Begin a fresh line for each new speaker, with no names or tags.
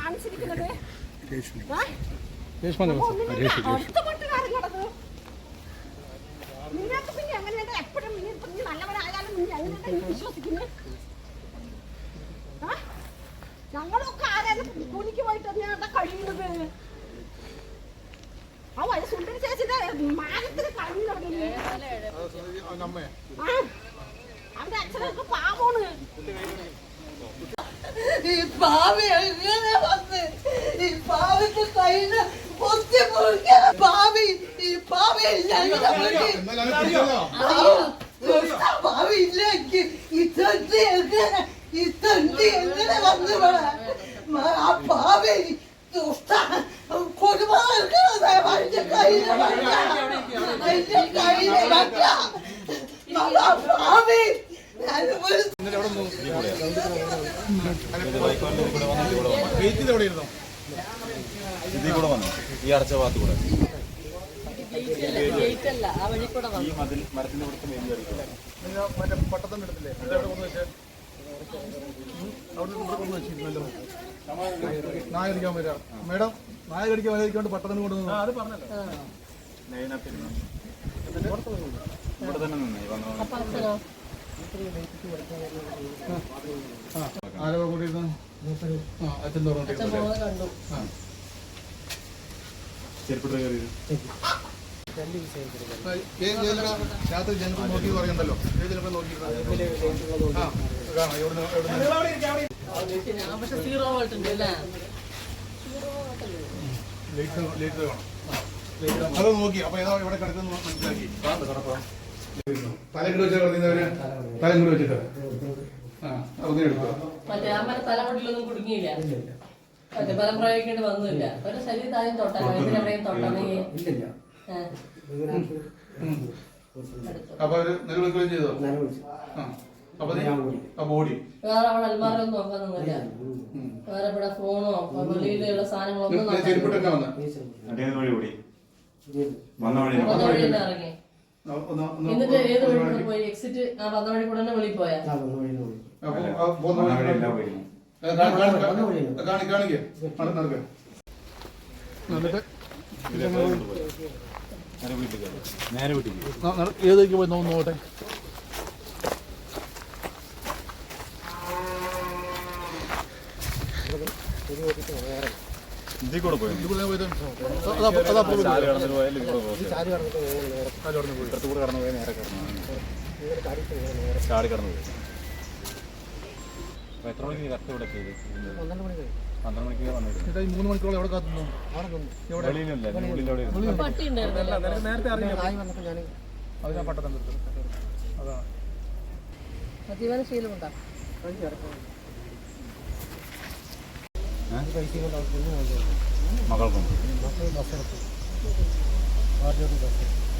കാണിച്ചിരിക്കുന്നത്? നിങ്ങൾക്ക് പിന്നെ എങ്ങനെയാണ് എപ്പോഴും നല്ലവരായാലും എങ്ങനെയാണ് വിശ്വസിക്കുന്നത്? ഞങ്ങളൊക്കെ ആരായാലും കൂലിക്ക് പോയിട്ട് തന്നെയാണ് കഴിയുന്നത്. ആ സുന്ദരി ചേച്ചിന്റെ മാനത്തിന് കഴിഞ്ഞു തുടങ്ങി. അവന്റെ അച്ഛനൊക്കെ പാവമാണ്.
ഈ പാവി എങ്ങനെ വന്ന് ഈ പാവിന്റെ കയ്യില് പൊത്തി മുറിക്കാൻ പാവി ഈ പാവി പാവി ഇല്ലെങ്കിൽ ഈ തണ്ടി എങ്ങനെ വന്ന് ആ പാവി കൊടുമാറിന്റെ കയ്യില് പാവി
ഇതിൽ കൂടെ വന്നു ഈ അടച്ച ഭാഗത്ത് കൂടെ ഈ മതിൽ മരത്തിന്റെ ഇവിടുത്തെ
മറ്റേ പട്ടത്തന്നെ എടുത്തില്ലേ നായ കടിക്കാൻ വരാ മേഡം, നായ കടിക്കാൻ വരാതിരിക്കൊണ്ട് പട്ടത്തിന് കൊണ്ടുവന്നു. അത് പറഞ്ഞല്ലോ
ഇവിടെ തന്നെ നിന്നേ
ആരോ കൂടിയിരുന്നു അച്ഛൻ
ചെരുപ്പിട്ട് കയറി
രാത്രി ജനപ്പം നോക്കി പറയണ്ടല്ലോ. ജനപ്പം നോക്കിയിരുന്നു അത് നോക്കി. അപ്പൊ ഏതാ ഇവിടെ കിടക്കുന്നു മനസ്സിലാക്കി. തലങ്ങട് വെച്ചാൽ കിടക്കുന്നവര് തലങ്ങട് വെച്ചിട്ട് അങ്ങനെ എടുക്കുക.
മറ്റേ അമ്മ തലമുടിയിലൊന്നും കുടുങ്ങിയില്ല, മറ്റേ ബലം പ്രയോഗിക്കേണ്ടി വന്നില്ല. ഒരു ശരീരത്തിൽ ആദ്യം തൊട്ടാൽ എവിടെയും തൊട്ടാണെങ്കിൽ
അപ്പൊ അവര് നിലവിളിക്കുകയും ചെയ്തോ? ബോഡി
വേറെ അവിടെ അൽമാരൊന്നും നോക്കാനൊന്നുമില്ല. വേറെ ഇവിടെ ഫോണോ വെളിയിലുള്ള സാധനങ്ങളൊന്നും
ചെരുപ്പിട്ടൊക്കെ വന്ന്
വന്ന വഴി തന്നെ ഇറങ്ങി. എന്നിട്ട് ഏത് വഴി കൂടെ പോയി? എക്സിറ്റ് ആ വന്ന വഴി കൂടെ തന്നെ വെളിയിൽ പോയാ?
ഏതൊക്കെ പോയി നോക്കട്ടെ.
ഇതിൽ കൂടെ പോയി കടന്നു പോയി നേരെ ചാടി കടന്നു പോയി. അപ്പൊ എത്ര മണിക്ക് കറക്റ്റ് ഇവിടെ ചെയ്ത്? 12 മണിക്ക് വന്നിട്ട്
3 മണിക്കൂറോളം എവിടെ കാത്തുന്നു? നേരത്തെ അതിനാ പട്ടത്തം അതാണ്.
മദ്യപാന ശീലമുണ്ടോ?
മകൾക്കും